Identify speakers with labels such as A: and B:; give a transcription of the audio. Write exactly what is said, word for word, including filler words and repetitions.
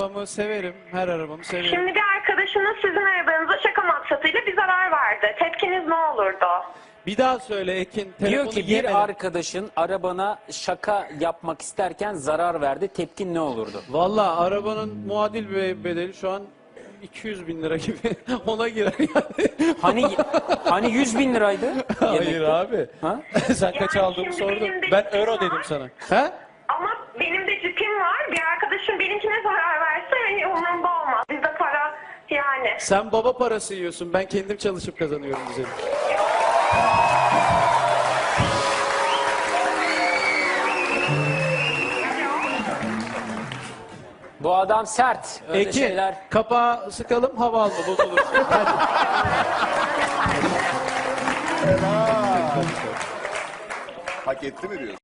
A: Arabamı severim. Her arabamı severim.
B: Şimdi bir arkadaşınız sizin arabanıza şaka maksatıyla bir zarar verdi. Tepkiniz ne olurdu?
A: Bir daha söyle Ekin.
C: Diyor
A: telefonu
C: ki bir
A: yemedim.
C: arkadaşın arabana şaka yapmak isterken zarar verdi. Tepkin ne olurdu?
A: Valla arabanın muadil be- bedeli şu an iki yüz bin lira gibi. Ona girer yani.
C: Hani hani yüz bin liraydı?
A: Hayır
C: yemekte?
A: abi.
C: Ha?
A: Sen kaç
B: Yani
A: aldığını
B: şimdi
A: sordun.
B: benim de
A: Ben
B: cipim
A: euro
B: var.
A: dedim sana. He?
B: Ama benim de cipim var. Bir arkadaşım benimkine zarar verse hani umurumda olmaz. Bizde para yani.
A: Sen baba parası yiyorsun. Ben kendim çalışıp kazanıyorum güzelim.
C: Bu adam sert. Öyle
A: Ekin,
C: şeyler.
A: kapağı sıkalım, hava alma bozulur.
D: Hak etti mi diyorsun?